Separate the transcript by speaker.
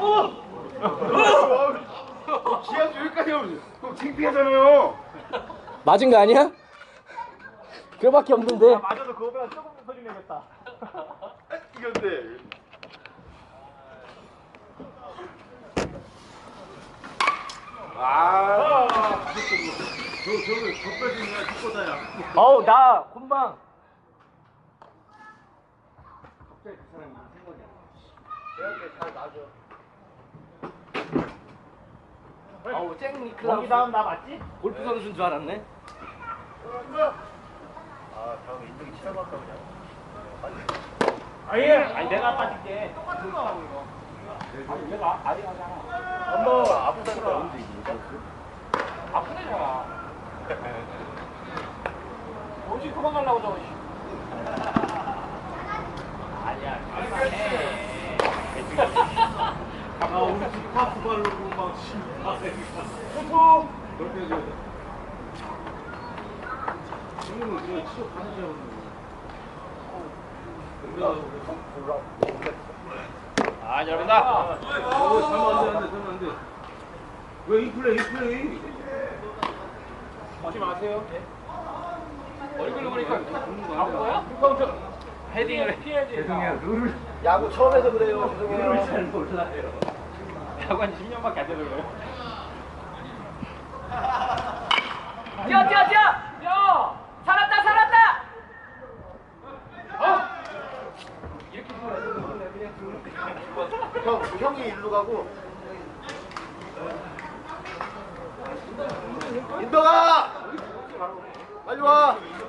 Speaker 1: 기합 여기까지 하면 창피하잖아요.
Speaker 2: 맞은 거 아니야? 그거밖에 없는데.
Speaker 3: 맞아도 그거보다 조금 더 소리 내겠다.
Speaker 1: 이건데. 저거 겉빼기냐 죽고다야.
Speaker 2: 어우 나 금방.
Speaker 1: 갑자기 그 사람이 생각이야. 내한테 잘 놔줘.
Speaker 2: 어우 잭 니클라우스.
Speaker 3: 여기 다음 나 맞지?
Speaker 2: 골프 선수인 줄 알았네.
Speaker 1: 아, 다음에 인정이 치라고 할까 그냥.
Speaker 3: 아니 내가 빠질게. 똑같은 거 하고 이거. 아니 내가 아리 하잖아.
Speaker 1: 한번 아프다니까 언제 이기니까?
Speaker 3: 아프대잖아. 어디 도망가려고 저거. 아니야.
Speaker 1: 아, 우리 집 파스 발로고 막
Speaker 3: 푸푸.
Speaker 1: 그렇게 해줘야 돼. 친구는 그냥 치료 가는 줄 알았는데.
Speaker 3: 아 잘한다.
Speaker 1: 잘못 안 돼. 왜 이 플레이?
Speaker 3: 하지 마세요. 얼굴로 보니까
Speaker 1: 안
Speaker 3: 아파요? 헤딩을 피해야지.
Speaker 1: 죄송해요. 룰을
Speaker 2: 야구 처음 해서 그래요. 죄송해요.
Speaker 1: 잘 몰라요.
Speaker 3: 야구 한 10년밖에 안 돼서 그래요.
Speaker 2: 뛰어! 뛰어! 살았다!
Speaker 1: 형이 일로 가고. 인덕아! 빨리 와!